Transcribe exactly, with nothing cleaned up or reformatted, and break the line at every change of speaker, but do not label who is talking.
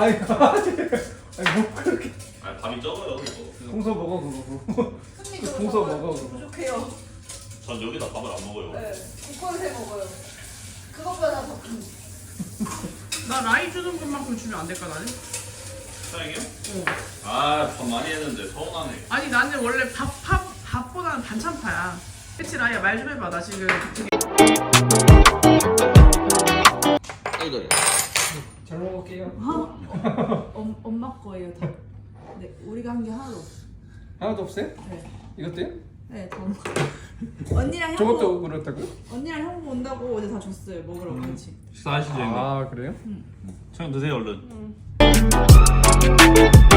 아니 아니 뭐 그렇게.
아니 밥이 적어요 이거.
동서 먹어 그거. 동서 먹어 그거.
부족해요.
전 여기다 밥을 안 먹어요.
네, 국건새 먹어요. 그것보다 더 큰.
나 라이 주는 것만큼 주면 안 될까 나는?
사장이요?
어.
아밥 많이 했는데 서운하네.
아니 나는 원래 밥, 밥, 밥보다는 반찬파야. 그치 라이야 말 좀 해봐. 나 지금 되게
아이고.
잘 먹을게요.
엄, 엄마 거예요 다. 네, 우리가 한 게 하나도 없어.
하나도 없어요?
네.
이것도요?
네, 다 엄마. 언니랑 형부.
저것도 그렇다고요?
언니랑 형부 온다고 어제 다 줬어요. 먹으라고 같이.
식사하시죠 형님.
아 그래요?
형 드세요 얼른.
응.